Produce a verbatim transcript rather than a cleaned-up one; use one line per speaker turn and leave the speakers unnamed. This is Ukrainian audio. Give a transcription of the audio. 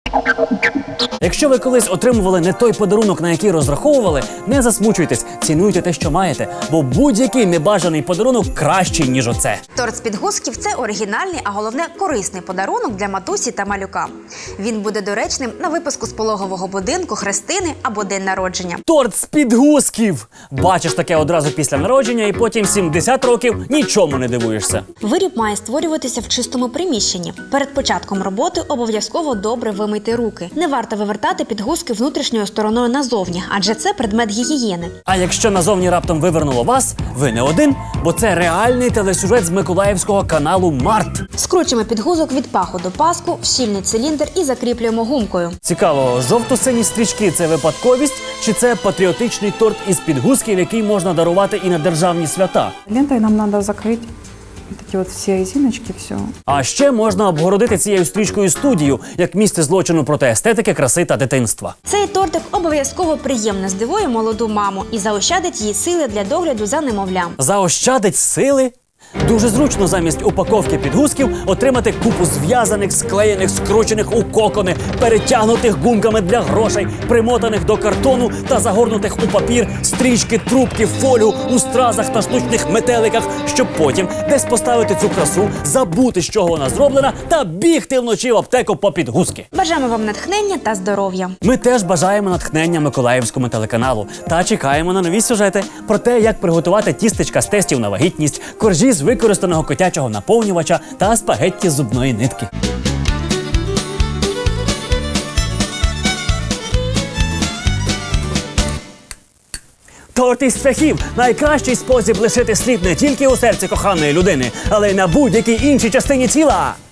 Якщо ви колись отримували не той подарунок, на який розраховували, не засмучуйтесь, цінуйте те, що маєте, бо будь-який небажаний подарунок кращий, ніж оце.
Торт з підгузків – це оригінальний, а головне – корисний подарунок для матусі та малюка. Він буде доречним на випуску з пологового будинку, хрестини або день народження.
Торт з підгузків! Бачиш таке одразу після народження і потім сімдесят років нічому не дивуєшся.
Виріб має створюватися в чистому приміщенні. Перед початком роботи обов'язково добре вимийте руки. Не варто вивертати підгузки внутрішньою стороною назовні, адже це предмет гігієни.
А якщо назовні раптом вивернуло вас, ви не один, бо це реальний телесюжет з миколаївського каналу «Март».
Скручуємо підгузок від паху до паску в щільний циліндр і закріплюємо гумкою.
Цікаво, жовто-сині стрічки – це випадковість, чи це патріотичний торт із підгузків, який можна дарувати і на державні свята?
Лентой нам надо закрыть вот эти вот все резиночки, все.
А ще можна обгородити цією стрічкою студію, як місце злочину проти естетики, краси та дитинства.
Цей тортик обов'язково приємно здивує молоду маму і заощадить їй сили для догляду за немовлям.
Заощадить сили? Дуже зручно замість упаковки підгузків отримати купу зв'язаних, склеєних, скручених у кокони, перетягнутих гумками для грошей, примотаних до картону та загорнутих у папір стрічки, трубки, фолію у стразах та штучних метеликах, щоб потім десь поставити цю красу, забути, з чого вона зроблена, та бігти вночі в аптеку по підгузки.
Бажаємо вам натхнення та здоров'я.
Ми теж бажаємо натхнення Миколаївському телеканалу та чекаємо на нові сюжети про те, як приготувати тістечка з тестів на вагітність, коржі з використаного котячого наповнювача та спагетті з зубної нитки. Торт із цвяхів – найкращий спосіб лишити слід не тільки у серці коханої людини, але й на будь-якій іншій частині тіла.